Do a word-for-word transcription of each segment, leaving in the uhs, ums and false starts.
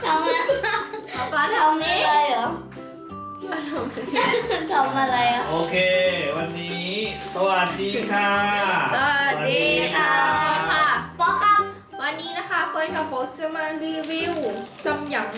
ทำอะไรป๊าทำนี้อะไรเหรอป๊าทำนี้ทำอะไรอ่ะโอเค วันนี้สวัสดีค่ะสวัสดีค่ะค่ะป๊อกครับวันนี้นะคะเฟิร์นกับโฟกจะมารีวิวซัมหยัง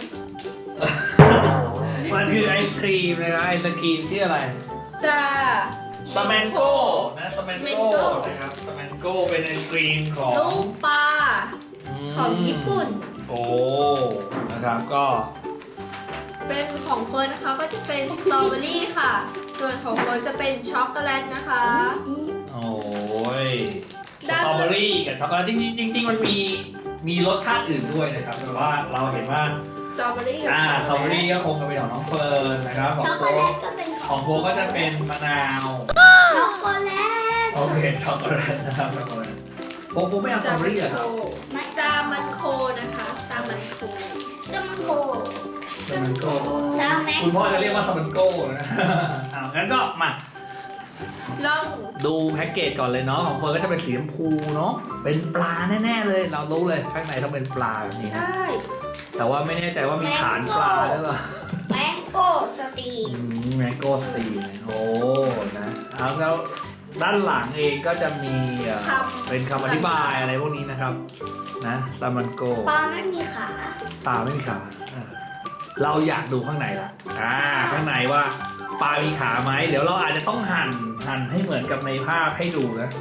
มันคือไอศครีมนะครับไอศครีมที่อะไรซาสแมนโก้นะสแมนโก้ Smanko นะครับสแมนโก้เป็นไอศครีมของลูกปลาของญี่ปุ่นโอ้นะครับก็เป็นของเฟิร์นนะคะก็จะเป็นสตรอเบอรี่ค่ะ ส่วนของเฟิร์นจะเป็นช็อกโกแลตนะคะโอ้ยสด้านตรอเบอรี่กับช็อกโกแลตจริงๆจริงๆมันมีมีรสชาติอื่นด้วยนะครับแต่ว่าเราเห็นว่าสตรอเบอรี่กับอ่าสตรอเบอช็รี่ก็คงจะเป็นของน้องเฟิร์นนะครับขอช็อง กโกโฟแลกตก็เป็นขขออง งโฟกก็จะเป็นมะนาวช็อกโกแลตโอเคช็อกโกแลตนะครับช็อกโกแลตโฟกโฟกไม่เอาสตรอเบอรี่เหรอครับซามันโคนะคะซามันโคจะมันโกสมันโก้จะแม็กคุณพ่อจะเรียกว่าสมันโก้นะ อ่างั้นก็มาลองดูแพ็กเกจก่อนเลยเนาะของเฟิร์นก็จะเป็นสีชมพูเนาะเป็นปลาแน่ๆเลยเรารู้เลยข้างในต้องเป็นปลาแบบนี้ใช่แต่ว่าไม่แน่ใจว่ามีฐานปลาหรือเปล่าแมงโก้สตีมแมงโก้สตีนโอ้นะเอาแล้วด้านหลังเองก็จะมีเอ่อเป็นคำอธิบายอะไรพวกนี้นะครับนะซามันโก้ปลาไม่มีขาปลาไม่มีขาอ่าเราอยากดูข้างในละอ่าข้างในว่าปลามีขาไหมเดี๋ยวเราอาจจะต้องหั่นหั่นให้เหมือนกับในภาพให้ดูนะ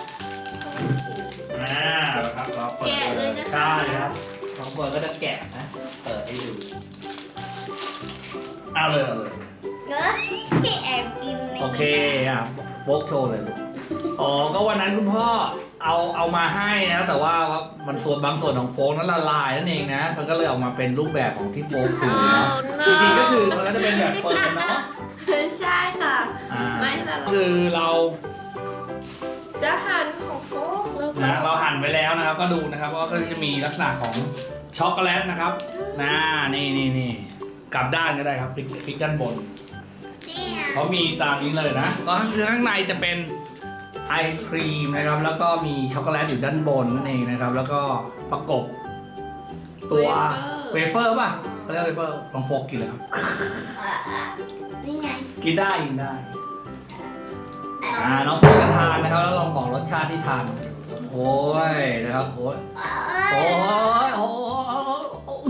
อ่าครับเราเปิดแกะเลยนะคะใช่ครับน้องเฟิร์นก็จะแกะนะเปิดให้ดูเอาเลยเอาเลยเนอะแอบกินในโอเคอ่ะโบกโชว์เลยลูกอ๋อก็วันนั้นคุณพ่อเอาเอามาให้นะแต่ว่ามันส่วนบางส่วนของโฟกนั้นละลายนั่นเองนะมันก็เลยออกมาเป็นรูปแบบของที่โฟกถือนะจริงๆก็คือมันก็จะเป็นแบบเปิดเนาะใช่ค่ะอ่าไม่ละลายคือเราจะหั่นของโฟกแล้วก็นะเราหั่นไว้แล้วนะครับก็ดูนะครับว่าก็จะมีลักษณะของช็อกโกแลตนะครับนะนี่นี่นี่กลับด้านก็ได้ครับพลิกพลิกด้านบนนี่ไงเขามีตามนี้เลยนะก็คือข้างในจะเป็นไอศครีมนะครับแล้วก็มีช็อกโกแลตอยู่ด้านบนนั่นเองนะครับแล้วก็ประกบตัวเวเฟอร์ป่ะเขาเรียกเวเฟอร์ลองโฟกกินเลยครับอ่ะอ่ะนี่ไงกินได้กินได้อ่าน้องโฟกจะทานนะครับแล้วลองบอกรสชาติที่ทานโอ้ยนะครับโอ้ยเอ้ยโอ้ยโอ้ย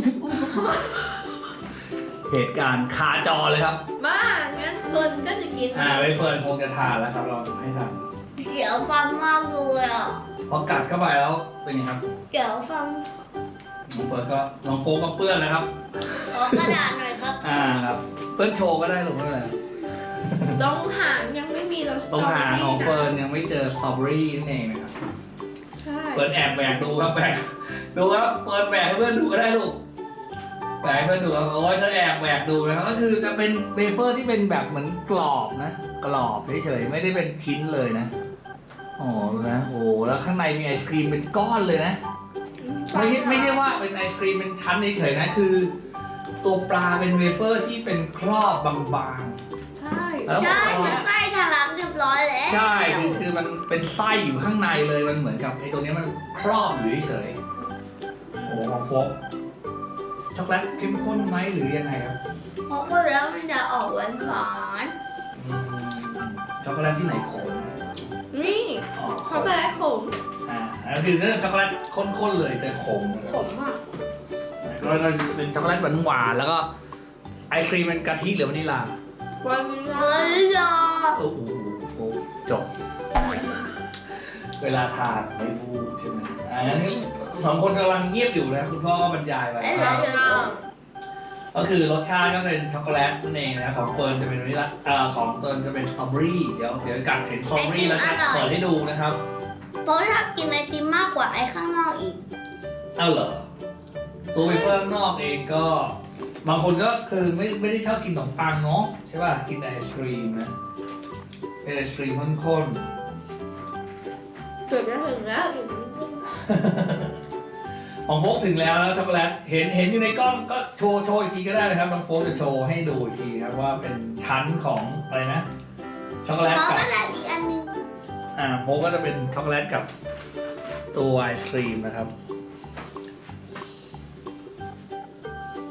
เหตุการณ์คาจอเลยครับมางั้นเฟิร์นก็จะกินอ่าเวเฟิร์นคงจะทานแล้วครับเราให้ทานเสียวฟันมากเลยอ่ะพอกัดเข้าไปแล้วเป็นไงครับเสียวฟันน้องเฟิร์นก็น้องโฟก็เปื้อนแล้วครับขอกระดาษหน่อยครับอ่าครับเปิ้ลโชว์ก็ได้หรือไม่เป็นไรต้องหางยังไม่มีเราสตตรรง อเบอหางรี่ของนะเฟิร์นยังไม่เจอสตรอเบอรี่นั่นเองนะครับใช่เฟิร์นแอบแบกดูครับแบกดูครับเฟิร์นแบกให้เพื่อนดูก็ได้ลูกแบกให้เพื่อนดูครับโอ้ยเธอแอบแบกดูนะครับก็คือจะเป็นเวเฟอร์ที่เป็นแบบเหมือนกรอบนะกรอบเฉยๆไม่ได้เป็นชิ้นเลยนะอ๋อนะโอ้แล้วข้างในมีไอศครีมเป็นก้อนเลยนะไม่ใช่ไม่ใช่ว่าเป็นไอศครีมเป็นชั้นเฉยๆนะคือ ตัวปลาเป็นเวเฟอร์ที่เป็นครอบบางๆใช่แล้วใช่มันไส้ทะลักเรียบร้อยแล้วใช่คือคือมันเป็นไส้อยู่ข้างในเลยมันเหมือนกับไอ้ตัวเนี้ยมันครอบอยู่เฉยๆโอ้ของโฟกช็อกโกแลตเข้มข้นไหมหรือยังไงครับเพราะว่าแล้วมันจะออกหวานหวานอืมช็อกโกแลตที่ไหนขมนี่อ๋อขช็อกมโกแลตขมอ่าแล้วคือถ้าช็อกโกแลตข้นๆเลยจะขมขมอ่ะแล้วก็เป็นช็อกโกแลตหวานๆแล้วก็ไอศครีมเป็นกะทิหรือวานิลลาวันนี้ๆเฮ้ยรอโอ้โหโฟกจบ เวลาทานไม่พูดใช่ไหมอ่างั้นสองคนกำลังเงียบอยู่นะคุณพ่อก็บรรยายไปไอ้เหรอเดี๋ยวเราก็คือรสชาติก็เป็นช็อกโกแลตนั่นเองนะของเฟิร์นจะเป็นวานิลลาเอ่อของเฟิร์นจะเป็นสตรอเบอรี่เดี๋ยวเดี๋ยวกัดเห็นสตรอเบอรี่แล้วจะเปิดให้ดูนะครับเพราะถ้ากินไอติมมากกว่าไอ้ข้างนอกอีกเอ้าเหรอตัวเวเฟอร์ข้างนอกเองก็ บางคนก็คือไม่ไม่ได้ชอบกินขนมปังเนาะใช่ป่ะกินแต่ไอศครีมนะเป็นไอศครีมข้นเกือบจะถึงแล้วอีกนิดนึงๆของโฟกถึงแล้วแล้วช็อกโกแลตเห็นเห็นอยู่ในกล้องก็โชว์โชว์อีกทีก็ได้นะครับน้องโฟกจะโชว์ให้ดูอีกทีครับว่าเป็นชั้นของอะไรนะช็อกโกแลตขอกับกระดาษอีกอันหนึงอ่าโฟกก็จะเป็นช็อกโกแลตกับตัวไอศครีมนะครับ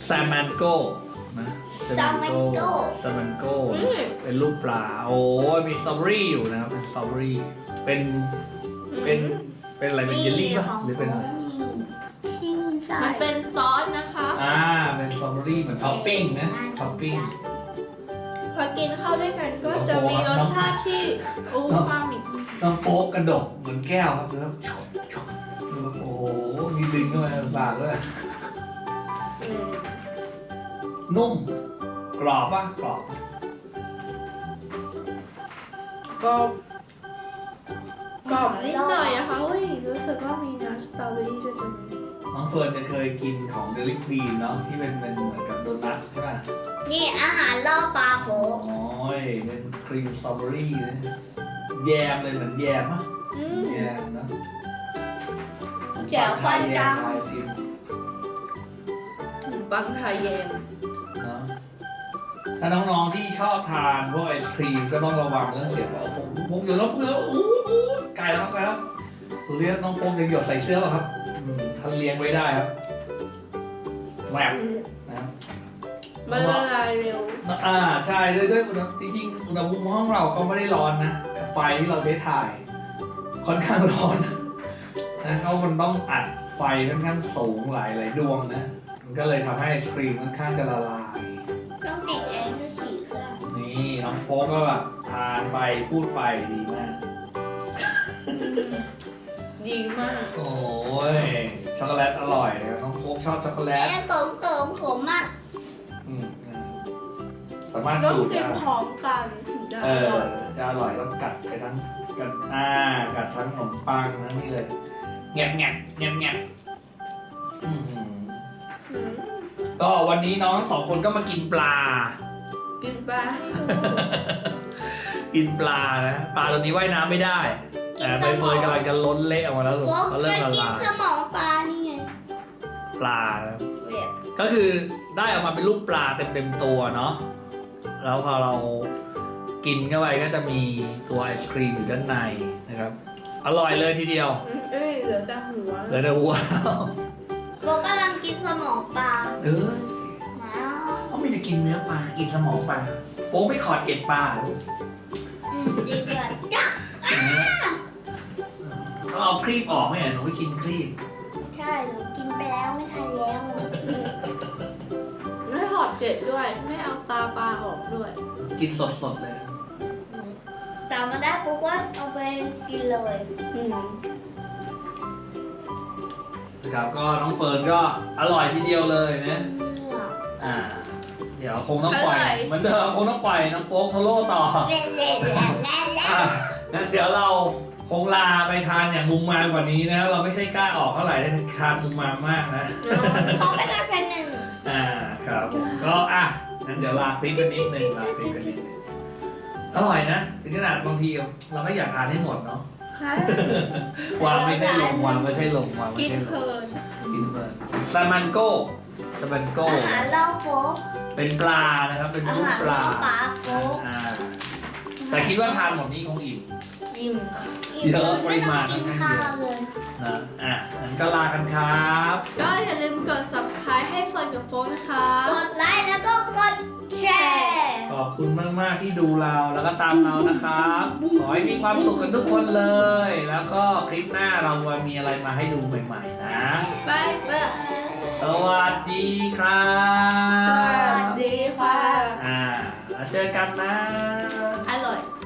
ซามันโกนะซามันโก้ซามันโกเป็นรูปปลาโอ้ยมีสตรอเบอรี่อยู่นะครับเป็นสตรอเบอรี่เป็นเป็นเป็นอะไรเป็นเยลลี่ป่ะหรือเป็นอะไรชิงใส่มันเป็นซอสนะคะอ่าเป็นสตรอเบอรี่เหมือนท็อปปิ้งนะท็อปปิ้งพอกินเข้าด้วยกันก็จะมีรสชาติที่อูมามิน้องโฟกกระดกเหมือนแก้วครับดูครับชกชกดูครับโอ้โหมีดึงเข้ามาในปากด้วยอืมนุ่มกรอบป่ะกรอบก็กรอบนิดหน่อยนะคะเฮ้ยรู้สึกว่ามีน้ำสตรอเบอรี่ด้วยจังน้องเฟิร์นจะเคยกินของเดลิควีนเนาะที่เป็นเป็นเหมือนกับโดนัทใช่ป่ะนี่อาหารล่อปลาโฟกโอ้ยเป็นครีมสตรอเบอรี่นะแยมเลยเหมือนแยมอ่ะอืมแยมเนาะแจ๋วฟันจังไทยติมถึงปังไทยแยมเนาะถ้าน้องๆที่ชอบทานพวกไอศครีมก็ต้องระวังเรื่องเสียงของผมพกอยู่แล้วพกอยู่แล้วอู้หูไกลแล้วครับไกลแล้วเรียกน้องพกยังหยดใส่เสื้อป่ะครับอืมท่านเลี้ยงไว้ได้ครับแหวกนะครับมันละลายเร็วอ่าใช่ด้วยด้วยอุณหจริงๆอุณหภูมิห้องเราก็ไม่ได้ร้อนนะแต่ไฟที่เราใช้ถ่าย ค่อนข้างร้อนนะเขามันต้องอัดไฟค่อนข้างสูงหลายหลายดวงนะมันก็เลยทำให้ไอศครีมค่อนข้างจะละลายต้องติดแอร์ที่สี่เครื่องนี่น้องโฟกก็แบบทานไปพูดไปดีมากดีมากโอ้ยช็อกโกแลตอร่อยเลยน้องโฟกชอบช็อกโกแลแอตร์ขมขมขมมากอืมอืมสามารถต้องดูดกินได้พร้อมกันถึงจะเอออร่อยจะอร่อยต้องกัดไปทั้งกัดอ่ากัดทั้งขนมปังทั้งนี่เลยแงบแงบแงบแงบอื้อหืออืมก็วันนี้น้องทั้งสองคนก็มากินปลากินปลาให้ดูกินปลานะปลาตัวนี้ว่ายน้ำไม่ได้แต่ใบเฟิร์นกำลังจะล้นเละออกมาแล้วลูกโฟกเขาจะเริ่มละกินลายสมองปลานี่ไงปลานะเวียบก็คือได้ออกมาเป็นรูปปลาเต็มเต็มๆตัวเนาะแล้วพอเรากินเข้าไปก็จะมีตัวไอศครีมอยู่ด้านในนะครับอร่อยเลยทีเดียวอืมเอ้ยเหลือแต่หัวเหลยแต่หัวโฟกกำลังกินสมองปลาเออว้าวเขาไม่จะกินเนื้อปลากินสมองปลาโป๊ไม่ขอดเกล็ดปลาลูกอืมดีเดือดจ้ะอย่างนี้ต้องเอาครีบออกไหมหนูไปกินครีบใช่หนูกินไปแล้วไม่ทันแล้วไม่ถอดเกล็ดด้วย ไม่เอาตาปลาออกด้วยกินสดๆเลยแต่มาได้ปุ๊บก็เอาไปกินเลยอืมนะครับก็น้องเฟิร์นก็อร่อยทีเดียวเลยนะอ่าเดี๋ยวคงต้องปล่อยเหมือนเดิมคงต้องปล่อยน้องโฟกโซโล่ต่อเล่นเล่นเล่นเล่นเล่นอ่ะงั้นเดี๋ยวเราคงลาไปทานอย่างมุมมามกว่านี้นะเราไม่ค่อยกล้าออกเท่าไหร่ได้ทานมุมมามมากนะขอไปกันแผ่นหนึ่งอ่าครับก็อ่ะงั้นเดี๋ยวลาคลิปกันนิดนึงลาคลิปกันนิดนึงอร่อยนะถึงขนาดบางทีเราก็อยากทานให้หมดเนาะค่ะวางไม่ใช่ลงวางไม่ใช่ลงวางไม่กินใช่ลเพลิงนกินเพลินซามันโก้ซามันโก้อาหารล่อโฟกเป็นปลานะครับเป็นอารูปหารปล่อลาปลาโฟกอ่าแต่คิดว่าทานหมดนี้คงอิ่มอิ่มเยอะปไม่ริต้อมาณงกินค่อนข้าข้างเยอะวเลยนะอ่ะงั้นก็ลากันครับก็อย่าลืมกด ซับสไครบ์ ให้เฟิร์นกับโฟกนะคะกดไลค์แล้วก็กดแชร์ขอบคุณมาก ๆ ที่ดูเราแล้วก็ตามเรานะครับ ขอให้มีความสุขกันทุกคนเลย แล้วก็คลิปหน้าเราจะมีอะไรมาให้ดูใหม่ ๆ นะบายบายสวัสดีครัสบวัสดีค่ะอ่าแล้วเจอกันนะอร่อย